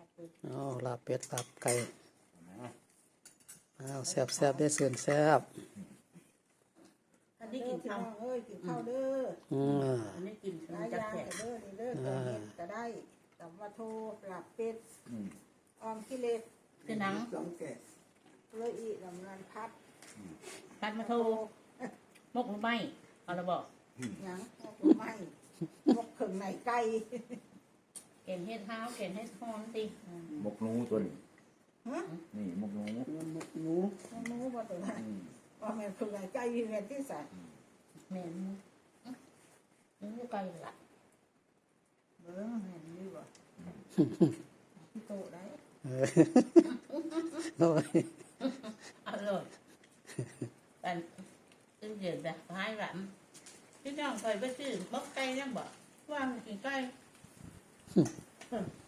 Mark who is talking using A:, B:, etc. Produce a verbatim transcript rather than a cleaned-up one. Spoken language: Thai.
A: อ๋อลาบเป็ดลาบไก่อ้าวแซ่บแซ่บได้เสื่อนแซ่บ
B: อันนี้กินข้าวเอ้ยกินข้าวเด้อ
A: อืม
B: อันนี้กินหลายอย่างเด้อนี่เด้อแกงเห็ดก็ได้ตับวะโทลาบเป็ดออมกิเลสคือหนังสองแกะเลยอีลำนันพัดพัดมาโทมกหรือไม่เอาละบอกหยังมกหรือไม่มกถึงไหนไก่เก่งเฮ็ดเท้าเก่งเฮ็ดหอมติ
C: มกนูตัวนี้นี่มกนู
B: มกนูมกนูบ่ตัวนั้นว่าแม่ถึงไหนไก่มีแม่ที่ใส่แม่นูนูไก่ละเบิ่งแม่นี่บ่ที่โตได้
A: เออโอ้ย
B: อร่อยอันตึ้งเดือดแบบหายหลังพี่น้องเคยไปซื้อมกไก่ยังบ่ว่ามันกินไก่